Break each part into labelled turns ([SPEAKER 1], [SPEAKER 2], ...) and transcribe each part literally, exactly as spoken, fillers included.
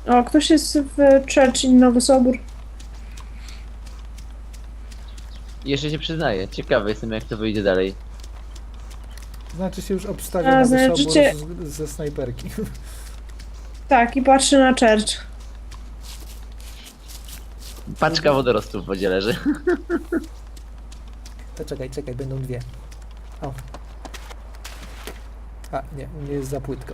[SPEAKER 1] O, ktoś jest w Church in Nowy Sobór.
[SPEAKER 2] Jeszcze się przyznaję. Ciekawy jestem, jak to wyjdzie dalej.
[SPEAKER 3] Znaczy się już obstawia
[SPEAKER 1] A,
[SPEAKER 3] na
[SPEAKER 1] znaczy
[SPEAKER 3] sobór
[SPEAKER 1] cię-
[SPEAKER 3] z, ze snajperki.
[SPEAKER 1] Tak, i patrzy na Church.
[SPEAKER 2] Paczka wodorostów w wodzie leży.
[SPEAKER 3] To czekaj, czekaj, będą dwie. O. A, nie, u mnie jest za płytko.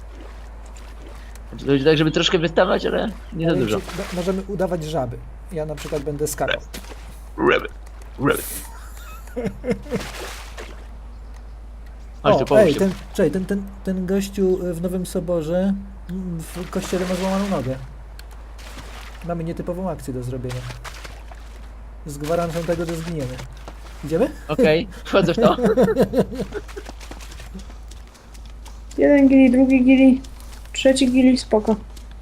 [SPEAKER 2] To będzie tak, żeby troszkę wystawać, ale nie za
[SPEAKER 3] Ale
[SPEAKER 2] dużo.
[SPEAKER 3] czy- no, możemy udawać żaby. Ja na przykład będę skakał.
[SPEAKER 2] Rabbit. Rabbit. Chodź tu,
[SPEAKER 3] O,
[SPEAKER 2] pomóż
[SPEAKER 3] ej,
[SPEAKER 2] się.
[SPEAKER 3] ten, czekaj, ten, ten, ten gościu w Nowym Soborze mm, w kościele ma złamaną nogę. Mamy nietypową akcję do zrobienia. Z gwarancją tego, że zginiemy. Idziemy?
[SPEAKER 2] Okej, wchodzę w to.
[SPEAKER 1] Jeden gili, drugi gili, trzeci gili, spoko.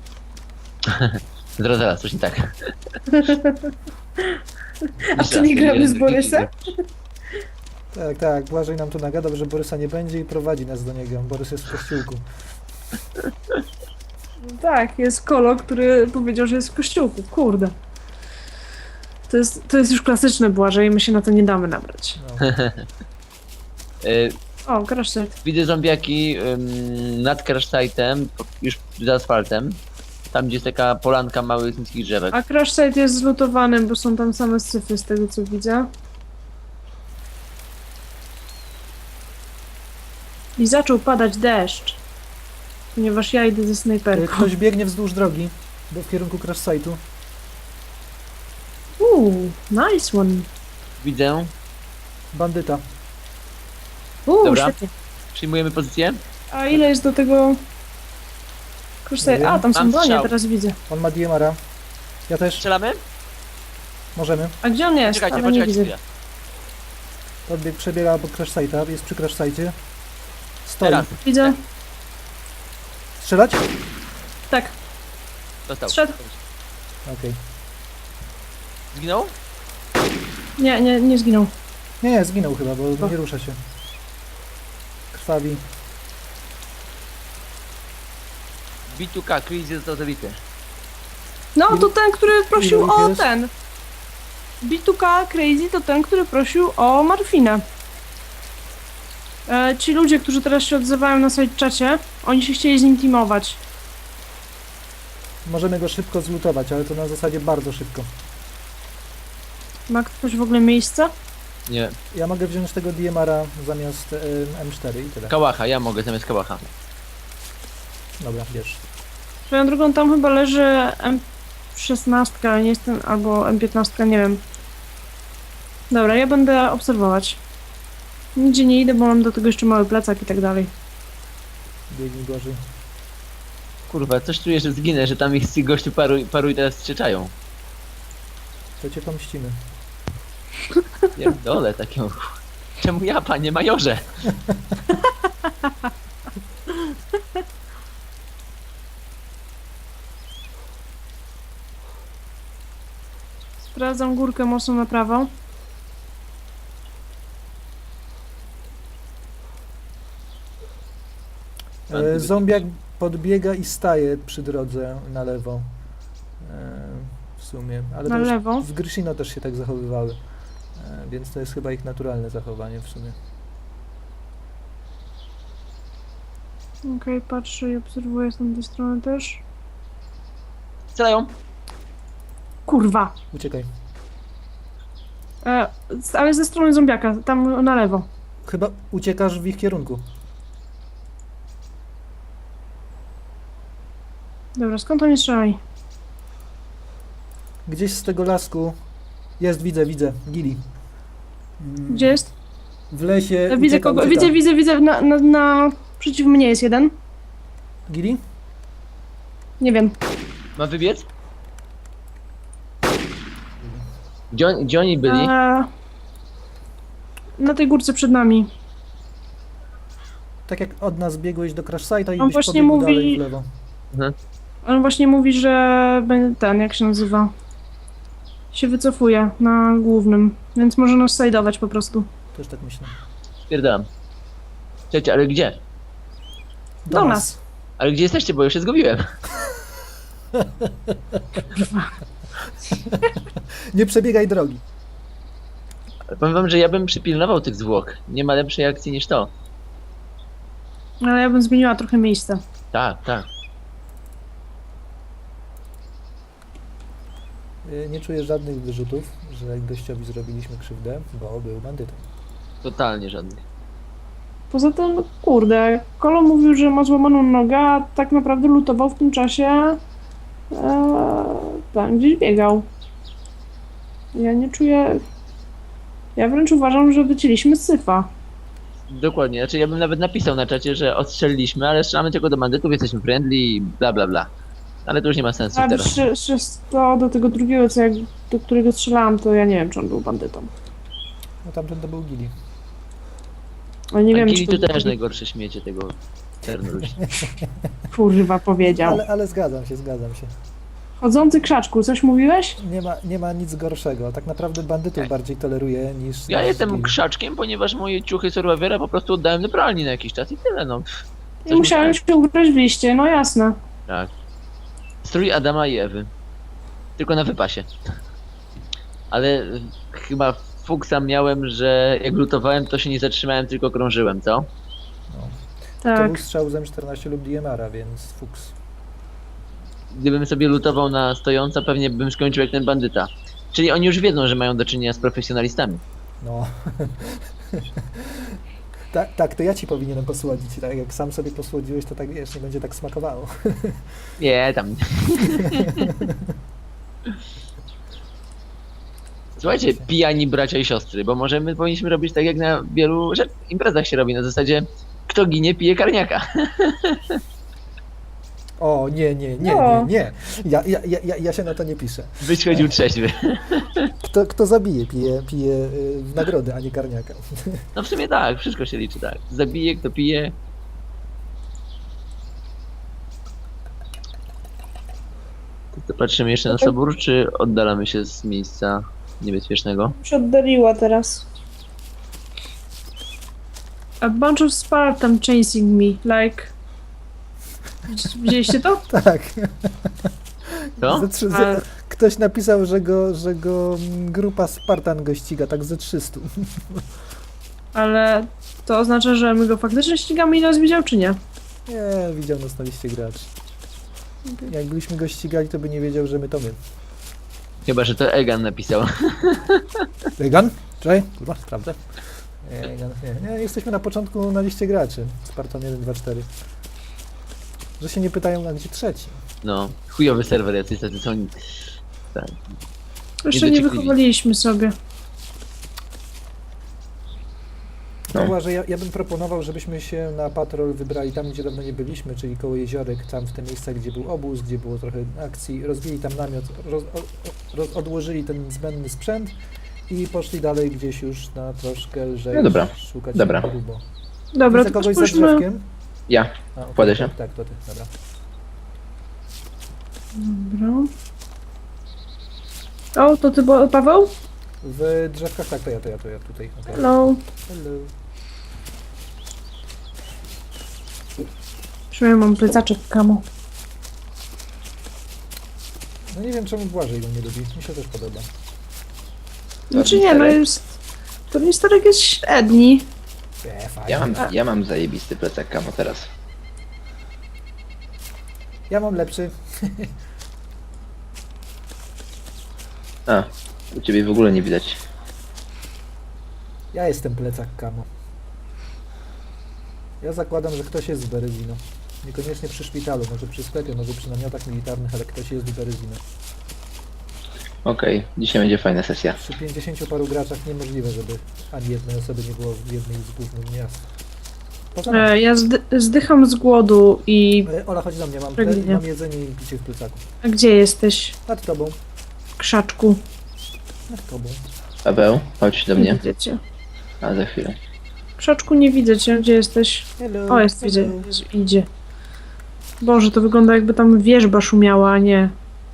[SPEAKER 2] Zaraz, zaraz, coś nie tak.
[SPEAKER 1] A
[SPEAKER 2] Jeszcze
[SPEAKER 1] czy nie
[SPEAKER 2] raz,
[SPEAKER 1] gramy
[SPEAKER 2] jeden,
[SPEAKER 1] z
[SPEAKER 2] drugi,
[SPEAKER 1] Borysem?
[SPEAKER 3] Tak, tak, Błażej nam tu nagada, że Borysa nie będzie i prowadzi nas do niego. Borys jest w kościółku.
[SPEAKER 1] Tak, jest Kolo, który powiedział, że jest w kościółku. Kurde. To jest, to jest już klasyczne Błażej i my się na to nie damy nabrać.
[SPEAKER 3] No.
[SPEAKER 2] Y,
[SPEAKER 1] O, crash site.
[SPEAKER 2] Widzę zombiaki ym, nad crashsite'em, już za asfaltem. Tam, gdzie jest taka polanka małych, niskich drzewek.
[SPEAKER 1] A crash site jest zlutowany, bo są tam same syfy z tego co widzę. I zaczął padać deszcz. Ponieważ ja idę ze
[SPEAKER 3] E,
[SPEAKER 1] snajperką.
[SPEAKER 3] Ktoś biegnie wzdłuż drogi, do, w kierunku crash site'u.
[SPEAKER 1] Uuu, nice one.
[SPEAKER 2] Widzę.
[SPEAKER 3] Bandyta.
[SPEAKER 1] Uuu,
[SPEAKER 2] Dobra.
[SPEAKER 1] świetnie.
[SPEAKER 2] Przyjmujemy pozycję.
[SPEAKER 1] A ile jest do tego... Crash
[SPEAKER 3] Nie
[SPEAKER 1] site?
[SPEAKER 3] wiem.
[SPEAKER 1] A, tam są
[SPEAKER 2] Mam
[SPEAKER 1] bronie,
[SPEAKER 2] strzał.
[SPEAKER 1] teraz widzę.
[SPEAKER 3] On ma D M R-a. Ja też.
[SPEAKER 2] Strzelamy?
[SPEAKER 3] Możemy.
[SPEAKER 1] A gdzie on jest?
[SPEAKER 2] Czekajcie,
[SPEAKER 1] Ale nie
[SPEAKER 2] poczekajcie
[SPEAKER 1] widzę.
[SPEAKER 2] chwilę.
[SPEAKER 3] Podbieg przebiega obok crash site'a, jest przy crash site'ie. Stoi.
[SPEAKER 2] Teraz.
[SPEAKER 1] Widzę.
[SPEAKER 3] Strzelać?
[SPEAKER 1] Tak.
[SPEAKER 2] Dostał.
[SPEAKER 1] Strzedł.
[SPEAKER 3] Okej.
[SPEAKER 2] Zginął?
[SPEAKER 1] Nie, nie, nie zginął.
[SPEAKER 3] Nie, nie, zginął chyba, bo
[SPEAKER 1] O.
[SPEAKER 3] nie rusza się. Krwawi.
[SPEAKER 2] B dwa K, Chris został zabity.
[SPEAKER 1] No,
[SPEAKER 3] Ilu-
[SPEAKER 1] to ten, który prosił
[SPEAKER 3] ilu ich
[SPEAKER 1] o
[SPEAKER 3] jest?
[SPEAKER 1] ten. B dwa K Crazy to ten, który prosił o morfinę. E, ci ludzie, którzy teraz się odzywają na side czacie, oni się chcieli z nim teamować.
[SPEAKER 3] Możemy go szybko zlutować, ale to na zasadzie bardzo szybko.
[SPEAKER 1] Ma ktoś w ogóle miejsce?
[SPEAKER 2] Nie.
[SPEAKER 3] Ja mogę wziąć tego D M R-a zamiast y, M cztery i tyle.
[SPEAKER 2] Kałacha, ja mogę zamiast kałacha.
[SPEAKER 3] Dobra, bierz.
[SPEAKER 1] Swoją drogą tam chyba leży M szesnaście, ale nie jestem, albo M piętnaście, nie wiem. Dobra, ja będę obserwować. Nigdzie nie idę, bo mam do tego jeszcze mały plecak i tak dalej.
[SPEAKER 3] Biegnij gorzej.
[SPEAKER 2] Kurwa, coś czuję, że zginę, że tam ich z gościu paru, paru i teraz strzeczają.
[SPEAKER 3] To cię pomścimy.
[SPEAKER 2] Pierdolę takiego. Czemu ja, panie majorze?
[SPEAKER 1] Sprawdzam górkę mocno na prawo.
[SPEAKER 3] E, zombiak podbiega i staje przy drodze na lewo. E, w sumie. Ale
[SPEAKER 1] Na
[SPEAKER 3] to już
[SPEAKER 1] lewo?
[SPEAKER 3] w Gryshino też się tak zachowywały. E, więc to jest chyba ich naturalne zachowanie w sumie.
[SPEAKER 1] Okej, patrzę i obserwuję z tamtej strony też.
[SPEAKER 2] Strzelają.
[SPEAKER 1] Kurwa!
[SPEAKER 3] Uciekaj.
[SPEAKER 1] E, ale ze strony zombiaka, tam na lewo.
[SPEAKER 3] Chyba uciekasz w ich kierunku.
[SPEAKER 1] Dobra, skąd oni strzelali?
[SPEAKER 3] Gdzieś z tego lasku. Jest, widzę, widzę. Gili. Mm,
[SPEAKER 1] Gdzie jest?
[SPEAKER 3] W lesie.
[SPEAKER 1] E, widzę
[SPEAKER 3] ucieka,
[SPEAKER 1] kogo,
[SPEAKER 3] ucieka.
[SPEAKER 1] widzę, widzę, widzę, na, na, na... Przeciw mnie jest jeden.
[SPEAKER 3] Gili?
[SPEAKER 1] Nie wiem.
[SPEAKER 2] Ma wybiec? Gdzie, on, gdzie oni byli?
[SPEAKER 1] E, na tej górce przed nami.
[SPEAKER 3] Tak jak od nas biegłeś do crash site'a i
[SPEAKER 1] On
[SPEAKER 3] byś
[SPEAKER 1] właśnie
[SPEAKER 3] pobiegł
[SPEAKER 1] mówi-
[SPEAKER 3] dalej w lewo.
[SPEAKER 2] Mhm.
[SPEAKER 1] On właśnie mówi, że będzie ten, jak się nazywa? Się wycofuje na głównym, więc może nas sajdować po prostu.
[SPEAKER 3] Też tak myślę.
[SPEAKER 2] Spierdalam. Czekajcie, ale gdzie?
[SPEAKER 1] Do nas.
[SPEAKER 2] Ale gdzie jesteście, bo już się zgubiłem.
[SPEAKER 3] Nie przebiegaj drogi.
[SPEAKER 2] Ale powiem wam, że ja bym przypilnował tych zwłok. Nie ma lepszej akcji niż to.
[SPEAKER 1] Ale ja bym zmieniła trochę miejsca.
[SPEAKER 2] Tak, tak.
[SPEAKER 3] Y, Nie czuję żadnych wyrzutów, że gościowi zrobiliśmy krzywdę, bo był bandytą.
[SPEAKER 2] Totalnie żadnych.
[SPEAKER 1] Poza tym, kurde, Kolo mówił, że ma złamaną nogę, a tak naprawdę lutował w tym czasie e, tam gdzieś biegał. Ja nie czuję... Ja wręcz uważam, że wycięliśmy z syfa.
[SPEAKER 2] Dokładnie. Znaczy ja bym nawet napisał na czacie, że odstrzeliliśmy, ale strzelamy tylko do bandytów, jesteśmy friendly i bla bla bla. Ale to już nie ma sensu
[SPEAKER 1] A
[SPEAKER 2] teraz.
[SPEAKER 1] przy, przy to do tego drugiego, co jak, do którego strzelałam, to ja nie wiem, czy on był bandytą.
[SPEAKER 3] No tamten to był Gili.
[SPEAKER 1] Ale nie wiem,
[SPEAKER 2] Ankili
[SPEAKER 1] czy
[SPEAKER 2] to też najgorsze śmiecie tego ternu ludzi.
[SPEAKER 1] kurwa powiedział.
[SPEAKER 3] Ale, ale zgadzam się, zgadzam się.
[SPEAKER 1] Chodzący krzaczku, coś mówiłeś?
[SPEAKER 3] Nie ma, nie ma nic gorszego. Tak naprawdę bandytów
[SPEAKER 2] Ja-
[SPEAKER 3] bardziej toleruję niż...
[SPEAKER 2] Ja
[SPEAKER 3] niż
[SPEAKER 2] jestem
[SPEAKER 3] Gili.
[SPEAKER 2] krzaczkiem, ponieważ moje ciuchy Survivora po prostu oddałem do pralni na jakiś czas i tyle, no.
[SPEAKER 1] I
[SPEAKER 2] Coś
[SPEAKER 1] musiałem
[SPEAKER 2] musiałem.
[SPEAKER 1] się ubrać w liście, no jasne.
[SPEAKER 2] Tak. Strój Adama i Ewy. Tylko na wypasie. Ale y, chyba fuksa miałem, że jak lutowałem, to się nie zatrzymałem, tylko krążyłem, co?
[SPEAKER 3] No. To
[SPEAKER 1] Tak.
[SPEAKER 3] był strzał z M czternaście lub D M R-a, więc fuks.
[SPEAKER 2] Gdybym sobie lutował na stojąco, pewnie bym skończył jak ten bandyta. Czyli oni już wiedzą, że mają do czynienia z profesjonalistami.
[SPEAKER 3] No. tak, tak, to ja ci powinienem posłodzić. Tak jak sam sobie posłodziłeś, to tak wiesz, nie będzie tak smakowało.
[SPEAKER 2] Nie, tam. Słuchajcie, pijani bracia i siostry, bo może my powinniśmy robić tak, jak na wielu rzecz- imprezach się robi, na zasadzie kto ginie, pije karniaka.
[SPEAKER 3] O, nie, nie, nie,
[SPEAKER 1] No.
[SPEAKER 3] nie, nie. Ja, ja, ja, ja- ja się na to nie piszę.
[SPEAKER 2] Byś chodził trzeźwy.
[SPEAKER 3] Kto, kto zabije, pije, pije y, w nagrodę, a nie karniaka.
[SPEAKER 2] No w sumie tak, wszystko się liczy, tak. Zabije, kto pije. To co, patrzymy jeszcze na sobór, czy oddalamy się z miejsca niebezpiecznego?
[SPEAKER 1] się oddaliła teraz. A bunch of Spartan chasing me, like... Widzieliście to?
[SPEAKER 3] Tak.
[SPEAKER 2] Co?
[SPEAKER 3] Ze trzy,
[SPEAKER 1] A-
[SPEAKER 3] ze, ktoś napisał, że go, że go mm, grupa Spartan go ściga, tak ze trzystu.
[SPEAKER 1] Ale to oznacza, że my go faktycznie ścigamy i nas widział, czy nie?
[SPEAKER 3] Nie, widział nas na liście graczy. Jakbyśmy go ścigali, to by nie wiedział, że my to my.
[SPEAKER 2] Chyba, że to Egan napisał.
[SPEAKER 3] Egan? Czekaj, kurwa, sprawdzę. Nie, Egan, nie, nie, jesteśmy na początku na liście graczy. Spartan jeden, dwa, cztery. Że się nie pytają, a gdzie trzeci.
[SPEAKER 2] No, chujowy serwer jacyś tacy są. Tak.
[SPEAKER 1] Jeszcze nie
[SPEAKER 2] dociekliwi.
[SPEAKER 1] wychowaliśmy sobie.
[SPEAKER 3] No. Była, że ja, ja bym proponował, żebyśmy się na patrol wybrali tam, gdzie dawno nie byliśmy, czyli koło jeziorek, tam w te miejsca, gdzie był obóz, gdzie było trochę akcji, rozbili tam namiot, roz, o, roz, odłożyli ten zbędny sprzęt i poszli dalej gdzieś już na troszkę lżej
[SPEAKER 4] No dobra,
[SPEAKER 3] szukać
[SPEAKER 4] dobra.
[SPEAKER 3] grubo.
[SPEAKER 1] Dobra,
[SPEAKER 3] Widzę
[SPEAKER 1] to
[SPEAKER 3] kogoś za
[SPEAKER 1] spójrzmy...
[SPEAKER 3] drzewkiem.
[SPEAKER 4] Ja.
[SPEAKER 3] A, okej,
[SPEAKER 4] Kładę się.
[SPEAKER 3] Tak, tak, to ty, dobra.
[SPEAKER 1] Dobra. O, to ty, bo- Paweł?
[SPEAKER 3] W drzewkach, tak, to ja, to ja, to ja tutaj. Okay.
[SPEAKER 1] Hello.
[SPEAKER 3] Hello.
[SPEAKER 1] Przynajmniej mam plecaczek kamo.
[SPEAKER 3] No nie wiem, czemu Błażej go nie lubi, mi się też podoba.
[SPEAKER 1] Znaczy nie, no jest... To nie starek jest średni.
[SPEAKER 3] E, fajnie.
[SPEAKER 4] Ja mam, ja mam zajebisty plecak kamo teraz.
[SPEAKER 3] Ja mam lepszy.
[SPEAKER 4] A, u ciebie w ogóle nie widać.
[SPEAKER 3] Ja jestem plecak kamo. Ja zakładam, że ktoś jest z Berezino. Niekoniecznie przy szpitalu, może przy sklepie, może przy namiotach militarnych, ale ktoś jest z Berezino.
[SPEAKER 4] Okej, dzisiaj będzie fajna sesja.
[SPEAKER 3] Przy pięćdziesięciu paru graczach niemożliwe, żeby ani jednej osoby nie było w jednej z głównych miast. Poza nami.
[SPEAKER 1] E, ja zdy zdycham z głodu i...
[SPEAKER 3] E, Ola, chodź do mnie, mam, ple-
[SPEAKER 1] Pragnienie.
[SPEAKER 3] mam jedzenie i picie w plecaku.
[SPEAKER 1] A gdzie jesteś?
[SPEAKER 3] Nad tobą,
[SPEAKER 1] Krzaczku.
[SPEAKER 3] nad tobą.
[SPEAKER 4] Paweł, chodź do
[SPEAKER 1] Nie
[SPEAKER 4] mnie.
[SPEAKER 1] widzę cię.
[SPEAKER 4] A za chwilę.
[SPEAKER 1] Krzaczku, nie widzę cię. Gdzie jesteś?
[SPEAKER 3] Hello,
[SPEAKER 1] O, jest, widzę.
[SPEAKER 3] hello.
[SPEAKER 1] Jezu, idzie. Boże, to wygląda jakby tam wierzba szumiała, a nie.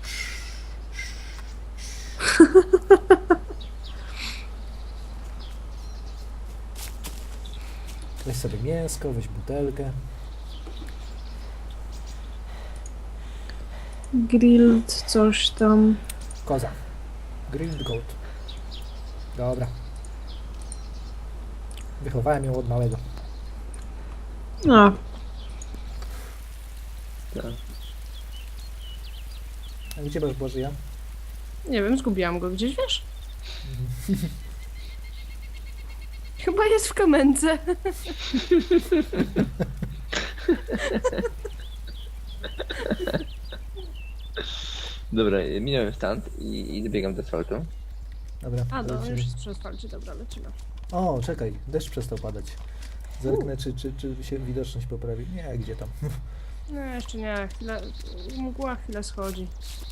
[SPEAKER 3] Weź sobie mięsko, weź butelkę.
[SPEAKER 1] Grilled coś tam.
[SPEAKER 3] Koza. Grilled goat. Dobra. Wychowałem ją od małego.
[SPEAKER 1] No,
[SPEAKER 4] Tak.
[SPEAKER 3] A gdzie masz Bożyja?
[SPEAKER 1] nie wiem, zgubiłam go gdzieś, wiesz? Chyba jest w kamence.
[SPEAKER 4] Dobra, minąłem stand i, i dobiegam do asfaltu.
[SPEAKER 3] Dobra.
[SPEAKER 1] A, no,
[SPEAKER 3] lecimy.
[SPEAKER 1] już jest przy asfalcie, dobra, lecimy.
[SPEAKER 3] O, czekaj, deszcz przestał padać. Zerknę, czy, czy, czy się widoczność poprawi. Nie, gdzie tam.
[SPEAKER 1] No, jeszcze nie, chwilę, mgła chwilę schodzi.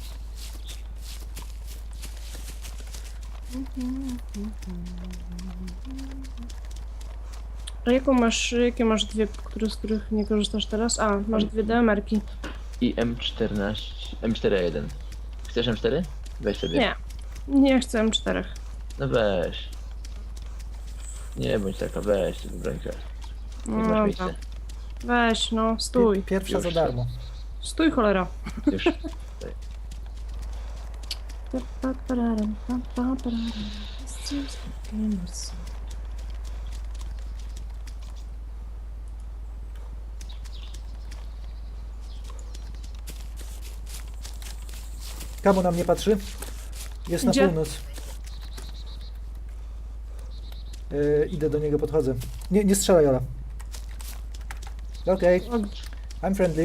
[SPEAKER 1] A jaką masz, jakie masz dwie, które, z których nie korzystasz teraz? A, masz dwie D M R-ki.
[SPEAKER 2] I M czternaście, M cztery A jeden. Chcesz M cztery? Weź sobie.
[SPEAKER 1] Nie, nie chcę M cztery.
[SPEAKER 2] No weź. Nie bądź taka, weź sobie brońkę.
[SPEAKER 1] No,
[SPEAKER 2] Jak masz
[SPEAKER 1] dobra.
[SPEAKER 2] miejsce.
[SPEAKER 1] Weź, no, stój.
[SPEAKER 3] Pi- Pierwsza
[SPEAKER 2] Już
[SPEAKER 3] za darmo.
[SPEAKER 1] Stój, cholera.
[SPEAKER 2] Już.
[SPEAKER 3] Kamo na mnie patrzy? Jest na
[SPEAKER 1] Gdzie?
[SPEAKER 3] północ. Yy, idę do niego, podchodzę. Nie, nie strzelaj, Ola. Okej, I'm friendly.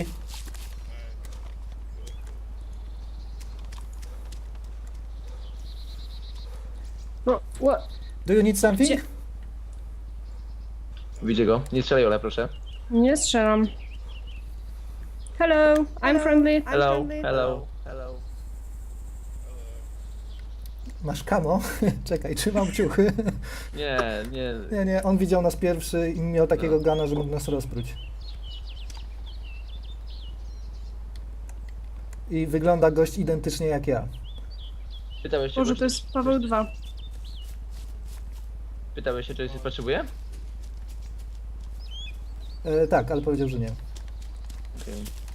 [SPEAKER 1] No, what?
[SPEAKER 3] Do you need something?
[SPEAKER 1] Gdzie?
[SPEAKER 2] Widzę go. Nie strzelaj, Ola, proszę.
[SPEAKER 1] Nie strzelam. Hello, I'm friendly.
[SPEAKER 2] Hello, hello, hello.
[SPEAKER 3] Masz kamo? Czekaj, trzymam ciuchy.
[SPEAKER 2] Nie, nie.
[SPEAKER 3] Nie, nie, on widział nas pierwszy i miał takiego gana, że mógł nas rozpróć. I wygląda gość identycznie jak ja.
[SPEAKER 2] Pytałeś się,
[SPEAKER 1] Może
[SPEAKER 2] bo-
[SPEAKER 1] to jest Paweł dwa.
[SPEAKER 2] Pytałeś się, czy coś potrzebuje?
[SPEAKER 3] E, tak, ale powiedział, że nie.
[SPEAKER 2] Okej.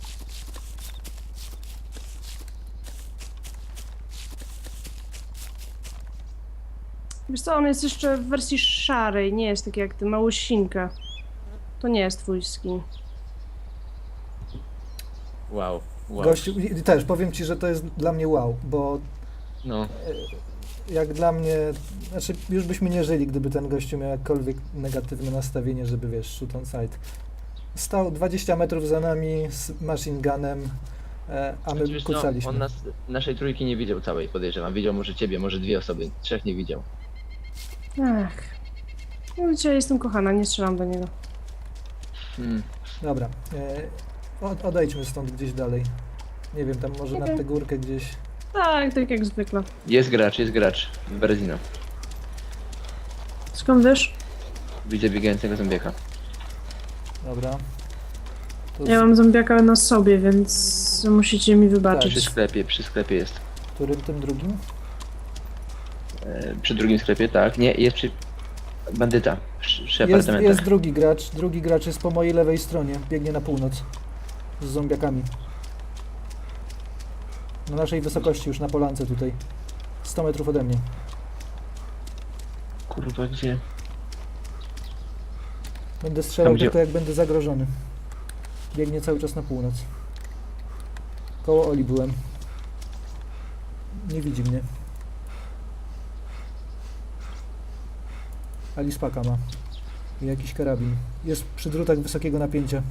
[SPEAKER 1] Wiesz co, on jest jeszcze w wersji szarej, nie jest taki jak ty, małosinka. To nie jest twój skin.
[SPEAKER 2] Wow, wow.
[SPEAKER 3] Gościu, i też powiem ci, że to jest dla mnie wow, bo
[SPEAKER 2] No,
[SPEAKER 3] jak dla mnie, znaczy już byśmy nie żyli, gdyby ten gościu miał jakkolwiek negatywne nastawienie, żeby wiesz, shoot on sight. Stał dwadzieścia metrów za nami z machine gunem, e, a my
[SPEAKER 2] Znaczy, wiesz co,
[SPEAKER 3] kucaliśmy.
[SPEAKER 2] on nas, naszej trójki nie widział całej, podejrzewam. Widział może ciebie, może dwie osoby. Trzech nie widział.
[SPEAKER 1] Ach. No dzisiaj jestem kochana, nie strzelam do niego.
[SPEAKER 2] Hmm.
[SPEAKER 3] Dobra, e, od, odejdźmy stąd gdzieś dalej. Nie wiem, tam może
[SPEAKER 1] Okej.
[SPEAKER 3] na tę górkę gdzieś.
[SPEAKER 1] Tak, tak jak zwykle.
[SPEAKER 2] Jest gracz, jest gracz. W Berezino.
[SPEAKER 1] Skąd wiesz?
[SPEAKER 2] Widzę biegającego zombiaka.
[SPEAKER 3] Dobra. To
[SPEAKER 1] Ja
[SPEAKER 3] z
[SPEAKER 1] mam zombiaka na sobie, więc musicie mi wybaczyć.
[SPEAKER 2] Przy sklepie, przy sklepie jest.
[SPEAKER 3] którym tym drugim?
[SPEAKER 2] E, przy drugim sklepie, tak. Nie, jest przy... Bandyta. Przy, przy
[SPEAKER 3] Jest,
[SPEAKER 2] apartamentach.
[SPEAKER 3] jest drugi gracz. Drugi gracz jest po mojej lewej stronie. Biegnie na północ. Z zombiakami. Na naszej wysokości, już na polance tutaj. sto metrów ode mnie.
[SPEAKER 2] Kurwa, gdzie?
[SPEAKER 3] Będę strzelał
[SPEAKER 2] Tam, gdzie-
[SPEAKER 3] tylko jak będę zagrożony. Biegnie cały czas na północ. Koło Oli byłem. Nie widzi mnie. Ali spaka ma. I jakiś karabin. Jest przy drutach wysokiego napięcia.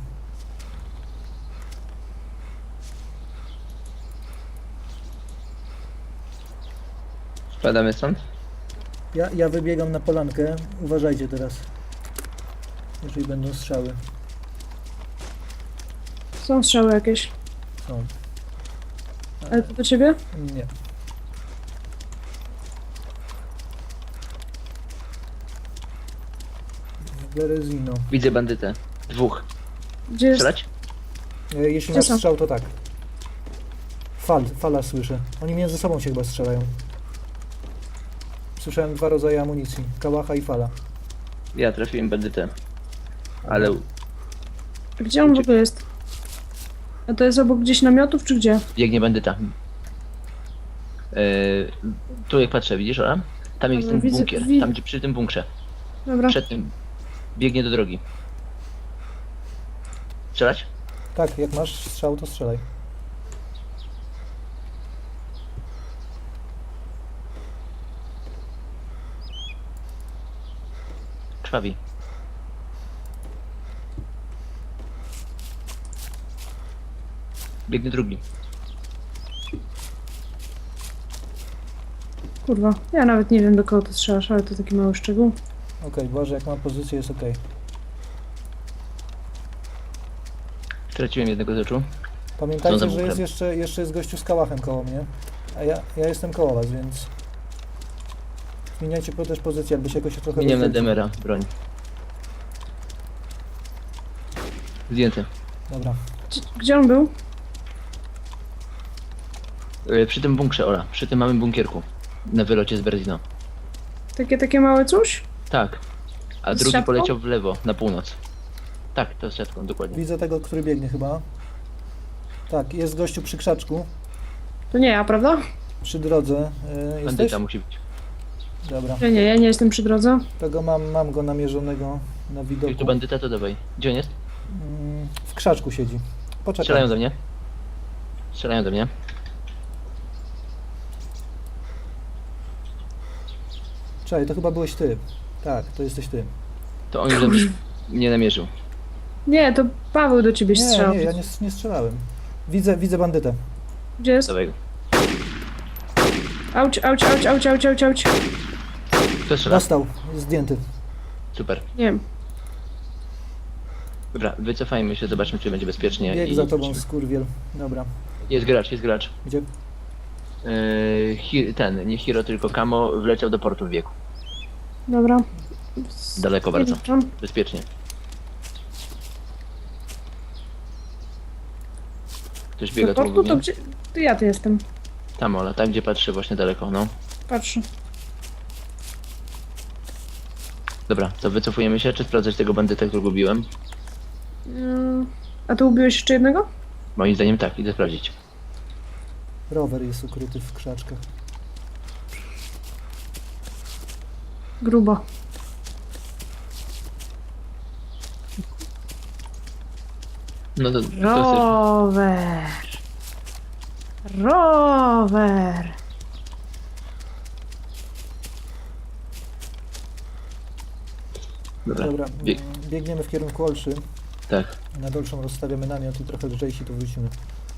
[SPEAKER 2] Spadamy stąd?
[SPEAKER 3] Ja, ja wybiegam na polankę. Uważajcie teraz. Jeżeli będą strzały.
[SPEAKER 1] Są strzały jakieś.
[SPEAKER 3] Są.
[SPEAKER 1] Ale to do ciebie?
[SPEAKER 3] Nie. W Berezino.
[SPEAKER 2] Widzę bandytę. Dwóch.
[SPEAKER 1] Gdzie jest?
[SPEAKER 2] Strzelać?
[SPEAKER 3] E, Jeśli
[SPEAKER 1] Gdzie
[SPEAKER 3] masz
[SPEAKER 1] są?
[SPEAKER 3] strzał, to tak. Fal, fala słyszę. Oni między sobą się chyba strzelają. Słyszałem dwa rodzaje amunicji. Kałacha i fala.
[SPEAKER 2] Ja trafiłem bandytę. Ale
[SPEAKER 1] Gdzie on w ogóle jest? A to jest obok gdzieś namiotów, czy gdzie?
[SPEAKER 2] Biegnie bandyta. Yy, tu jak patrzę, widzisz, Ola? Tam jest
[SPEAKER 1] Dobra,
[SPEAKER 2] ten
[SPEAKER 1] widzę-
[SPEAKER 2] bunkier,
[SPEAKER 1] wi-
[SPEAKER 2] tam gdzie przy tym bunkrze.
[SPEAKER 1] Dobra.
[SPEAKER 2] Przed tym. Biegnie do drogi. Strzelać?
[SPEAKER 3] Tak, jak masz strzał, to strzelaj.
[SPEAKER 2] Krwawi. Biegnie drugi.
[SPEAKER 1] Kurwa, ja nawet nie wiem, do kogo ty strzelasz, ale to taki mały szczegół.
[SPEAKER 3] Okej, Boże, jak mam pozycję, jest okej.
[SPEAKER 2] Straciłem jednego z oczu. Co
[SPEAKER 3] Pamiętajcie,
[SPEAKER 2] za
[SPEAKER 3] że jest
[SPEAKER 2] bunkrem?
[SPEAKER 3] jeszcze, jeszcze jest gościu z kałachem koło mnie. A ja, ja jestem koło was, więc... Zmieniajcie po- też pozycję, jakby się jakoś trochę...
[SPEAKER 2] Miniemy
[SPEAKER 3] rozdzielić.
[SPEAKER 2] Demera, broń. Zdjęty.
[SPEAKER 3] Dobra.
[SPEAKER 1] Gdzie, gdzie on był?
[SPEAKER 2] Yy, Przy tym bunkrze, Ola. Przy tym małym bunkierku. Na wylocie z Berlina.
[SPEAKER 1] Takie, takie małe coś?
[SPEAKER 2] Tak. A
[SPEAKER 1] Z
[SPEAKER 2] drugi
[SPEAKER 1] siatką?
[SPEAKER 2] poleciał w lewo, na północ. Tak, to z siatką, dokładnie.
[SPEAKER 3] Widzę tego, który biegnie chyba. Tak, jest gościu przy krzaczku.
[SPEAKER 1] To nie ja, prawda?
[SPEAKER 3] Przy drodze. Yy, jesteś?
[SPEAKER 2] Bandyta musi być.
[SPEAKER 3] Dobra.
[SPEAKER 1] Ja nie, ja nie jestem przy drodze.
[SPEAKER 3] Tego mam, mam go namierzonego na widoku.
[SPEAKER 2] Jak tu bandyta, to dawaj. Gdzie on jest?
[SPEAKER 3] Mm, w krzaczku siedzi. Poczekaj.
[SPEAKER 2] Strzelają do mnie. Strzelają do mnie.
[SPEAKER 3] Czekaj, to chyba byłeś ty. Tak, to jesteś ty.
[SPEAKER 2] To on już nie namierzył.
[SPEAKER 1] Nie, to Paweł do ciebie
[SPEAKER 3] Nie,
[SPEAKER 1] strzelał.
[SPEAKER 3] nie, ja nie, nie strzelałem. Widzę, widzę bandytę.
[SPEAKER 1] Gdzie jest?
[SPEAKER 2] Dawaj go.
[SPEAKER 1] Auć, auć, auć, auć, auć, auć, auć.
[SPEAKER 2] Kto strzela?
[SPEAKER 3] Dostał, zdjęty.
[SPEAKER 2] Super.
[SPEAKER 1] Nie wiem.
[SPEAKER 2] Dobra, wycofajmy się, zobaczmy, czy będzie bezpiecznie.
[SPEAKER 3] Bieg
[SPEAKER 2] i-
[SPEAKER 3] za tobą, skurwiel. Dobra.
[SPEAKER 2] Jest gracz, jest gracz.
[SPEAKER 3] Gdzie?
[SPEAKER 2] Yy, hi, ten, nie Hiro, tylko Kamo wleciał do portu w wieku.
[SPEAKER 1] Dobra.
[SPEAKER 2] Daleko bardzo.
[SPEAKER 1] Zjeżdżam.
[SPEAKER 2] Bezpiecznie. Ktoś biega
[SPEAKER 1] Do
[SPEAKER 2] tu
[SPEAKER 1] portu
[SPEAKER 2] obok
[SPEAKER 1] to
[SPEAKER 2] mnie.
[SPEAKER 1] gdzie? To ja tu jestem.
[SPEAKER 2] Tam, Ola, tam gdzie patrzy właśnie daleko, no.
[SPEAKER 1] Patrzę.
[SPEAKER 2] Dobra, to wycofujemy się, czy sprawdzać tego bandyta, którego gubiłem?
[SPEAKER 1] Yy, A tu ubiłeś jeszcze jednego?
[SPEAKER 2] Moim zdaniem tak, idę sprawdzić.
[SPEAKER 3] Rower jest ukryty w krzaczkach.
[SPEAKER 1] Grubo.
[SPEAKER 2] No to, to jest...
[SPEAKER 1] Rower. Rower.
[SPEAKER 2] Dobra,
[SPEAKER 3] Dobra,
[SPEAKER 2] bieg,
[SPEAKER 3] mm, biegniemy w kierunku Olszy.
[SPEAKER 2] tak.
[SPEAKER 3] Na dolszą rozstawiamy namiot i trochę lżejsi tu wrócimy.